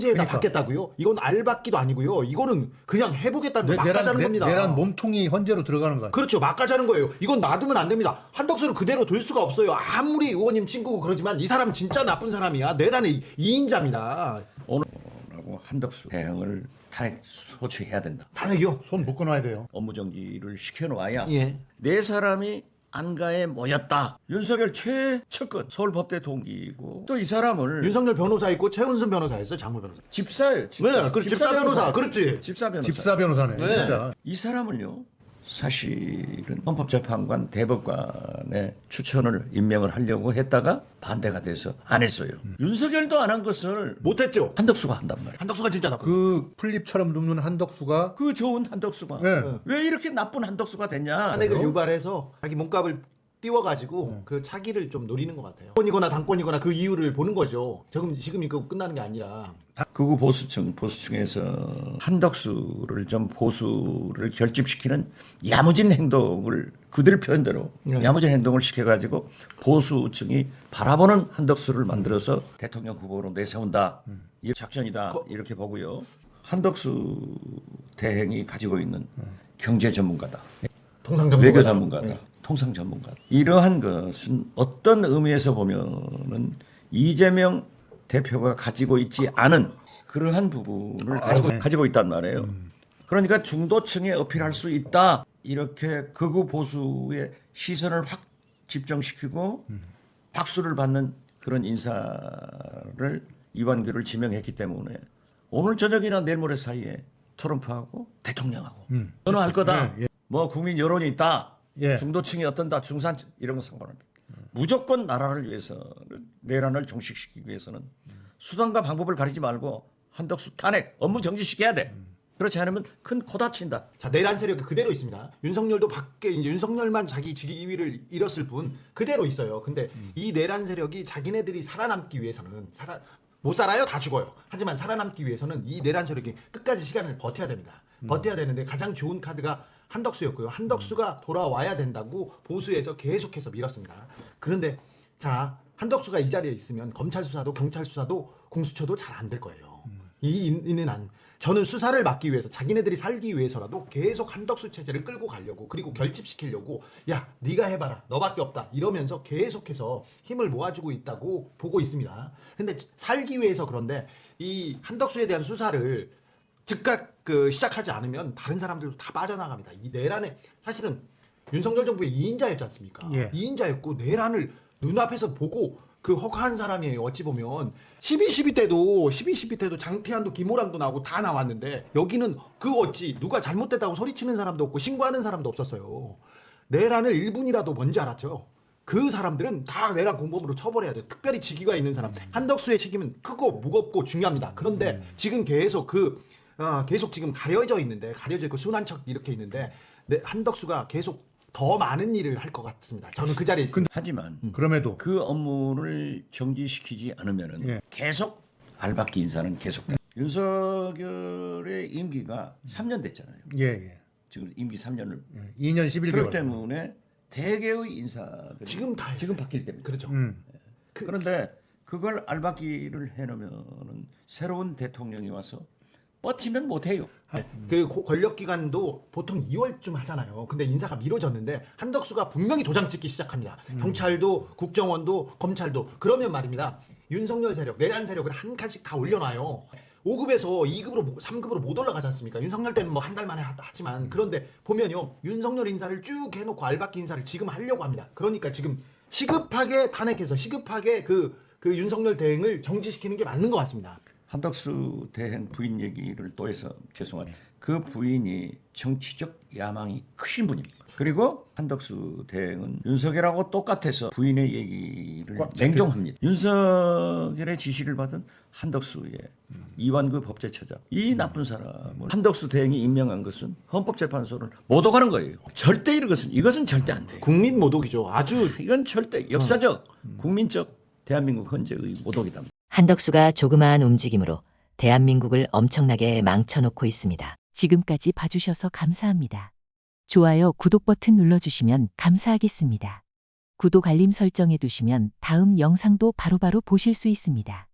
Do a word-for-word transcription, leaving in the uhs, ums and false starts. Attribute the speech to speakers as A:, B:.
A: 에다
B: 그러니까.
A: 받겠다고요? 이건 알받기도 아니고요. 이거는 그냥 해보겠다는
B: 내,
A: 막
B: 내란,
A: 가자는
B: 내,
A: 겁니다.
B: 내란 몸통이 헌재로 들어가는 거야.
A: 그렇죠. 막 가자는 거예요. 이건 놔두면 안 됩니다. 한덕수를 그대로 둘 수가 없어요. 아무리 의원님 친구고 그러지만 이 사람은 진짜 나쁜 사람이야. 내란의 이인자입니다.
C: 오늘하고 한덕수 대행을 탄핵 소추해야 된다.
A: 탄핵이요?
B: 손 묶어놔야 돼요.
C: 업무 정지를 시켜놓아야
A: 예.
C: 네 사람이 안가에 모였다. 윤석열 최측근 서울법대 동기이고 또 이 사람을
A: 윤석열 변호사 있고 최은순 변호사 있어요. 장모 변호사.
C: 집사예요. 집사,
A: 네, 그 집사 변호사. 그렇지.
C: 집사 변호사.
B: 집사 변호사네.
A: 네.
B: 진짜.
C: 이 사람을요. 사실은 헌법재판관 대법관의 추천을 임명을 하려고 했다가 반대가 돼서 안 했어요.
A: 음.
C: 윤석열도 안 한 것을
A: 못했죠.
C: 한덕수가 한단 말이에요.
A: 한덕수가 진짜 나쁜.
B: 그 풀립처럼 눕는 한덕수가
C: 그 좋은 한덕수가
B: 네.
C: 왜 이렇게 나쁜 한덕수가 됐냐?
A: 탄핵을 유발해서 자기 몸값을 띄워가지고 그 차기를 좀 노리는 것 같아요. 당권이거나 당권이거나 그 이유를 보는 거죠. 지금 지금 이거 끝나는 게 아니라.
C: 극우 보수층 보수층에서 한덕수를 좀 보수를 결집시키는 야무진 행동을 그들 표현대로
A: 네.
C: 야무진 행동을 시켜가지고 보수층이 바라보는 한덕수를 만들어서 대통령 후보로 내세운다. 이 작전이다
A: 거-
C: 이렇게 보고요. 한덕수 대행이 가지고 있는 경제 전문가다.
A: 통상정보
C: 외교 전문가다. 통상 전문가다. 이러한 것은 어떤 의미에서 보면은 이재명 대표가 가지고 있지 않은 그러한 부분을 가지고,
B: 네.
C: 가지고 있단 말이에요. 그러니까 중도층에 어필할 수 있다. 이렇게 극우 보수의 시선을 확 집중시키고 박수를 받는 그런 인사를 이완규를 지명했기 때문에 오늘 저녁이나 내일 모레 사이에 트럼프하고 대통령하고 선언할 거다.
B: 예, 예.
C: 뭐 국민 여론이 있다.
B: 예.
C: 중도층이 어떤다. 중산 이런 거 상관없습니다. 무조건 나라를 위해서는 내란을 종식시키기 위해서는 수단과 방법을 가리지 말고 한덕수 탄핵 업무 정지시켜야 돼. 그렇지 않으면 큰 코 다친다.
A: 자, 내란 세력이 그대로 있습니다. 윤석열도 밖에 이제 윤석열만 자기 직위를 잃었을 뿐 그대로 있어요. 근데 이 내란 세력이 자기네들이 살아남기 위해서는 살아 못 살아요. 다 죽어요. 하지만 살아남기 위해서는 이 내란 세력이 끝까지 시간을 버텨야 됩니다. 버텨야 되는데 가장 좋은 카드가 한덕수였고요. 한덕수가 돌아와야 된다고 보수에서 계속해서 밀었습니다. 그런데 자, 한덕수가 이 자리에 있으면 검찰 수사도 경찰 수사도 공수처도 잘 안 될 거예요. 이 인은 안 저는 수사를 막기 위해서 자기네들이 살기 위해서라도 계속 한덕수 체제를 끌고 가려고 그리고 결집시키려고 야 네가 해봐라 너밖에 없다 이러면서 계속해서 힘을 모아주고 있다고 보고 있습니다. 근데 살기 위해서 그런데 이 한덕수에 대한 수사를 즉각 그 시작하지 않으면 다른 사람들도 다 빠져나갑니다. 이 내란에 사실은 윤석열 정부의 이인자였지 않습니까?
B: 예.
A: 이인자였고 내란을 눈앞에서 보고 그 허가한 사람이에요. 어찌 보면 십이 십이 때도 십이 십이 때도 장태환도 김호랑도 나오고 다 나왔는데 여기는 그 어찌 누가 잘못됐다고 소리치는 사람도 없고 신고하는 사람도 없었어요. 내란을 일 분이라도 뭔지 알았죠. 그 사람들은 다 내란 공범으로 처벌해야 돼요. 특별히 직위가 있는 사람. 한덕수의 책임은 크고 무겁고 중요합니다. 그런데 지금 계속 그 어, 계속 지금 가려져 있는데 가려져 있고 순한 척 이렇게 있는데 네, 한덕수가 계속 더 많은 일을 할 것 같습니다. 저는 그 자리에 있습니다.
C: 하지만
B: 그럼에도
C: 그 업무를 정지시키지 않으면은
B: 예.
C: 계속 알박기 인사는 계속돼. 윤석열의 임기가 삼 년 됐잖아요.
B: 예, 예.
C: 지금 임기 삼 년을
B: 예. 이 년 십일
C: 그렇기
B: 개월.
C: 때문에 대개의 인사들이
A: 지금 다
C: 지금 바뀔 때입니다.
A: 그렇죠.
B: 음.
C: 그, 그런데 그걸 알박기를 해놓으면은 새로운 대통령이 와서 버티면 못해요.
A: 그 고- 권력 기간도 보통 이월쯤 하잖아요. 근데 인사가 미뤄졌는데 한덕수가 분명히 도장 찍기 시작합니다. 경찰도 국정원도 검찰도 그러면 말입니다. 윤석열 세력, 내란 세력을 한 칸씩 다 올려놔요. 오 급에서 이 급으로 삼 급으로 못 올라가지 않습니까? 윤석열 때는 뭐 한 달 만에 하- 하지만 그런데 보면요. 윤석열 인사를 쭉 해놓고 알박기 인사를 지금 하려고 합니다. 그러니까 지금 시급하게 탄핵해서 시급하게 그, 그 윤석열 대행을 정지시키는 게 맞는 것 같습니다.
C: 한덕수 대행 부인 얘기를 또 해서 죄송합니다. 그 부인이 정치적 야망이 크신 분입니다. 그리고 한덕수 대행은 윤석열하고 똑같아서 부인의 얘기를
B: 꽉 잡혀-
C: 냉정합니다. 윤석열의 지시를 받은 한덕수의 이완구 법제처장 이 나쁜 사람을 한덕수 대행이 임명한 것은 헌법재판소를 못 오가는 거예요. 절대 이런 것은 이것은 절대 안 돼요.
A: 국민 모독이죠. 아주
C: 이건 절대 역사적 국민적 대한민국 헌재의 모독이다.
D: 한덕수가 조그마한 움직임으로 대한민국을 엄청나게 망쳐놓고 있습니다.
E: 지금까지 봐주셔서 감사합니다. 좋아요, 구독 버튼 눌러주시면 감사하겠습니다. 구독 알림 설정해 두시면 다음 영상도 바로바로 보실 수 있습니다.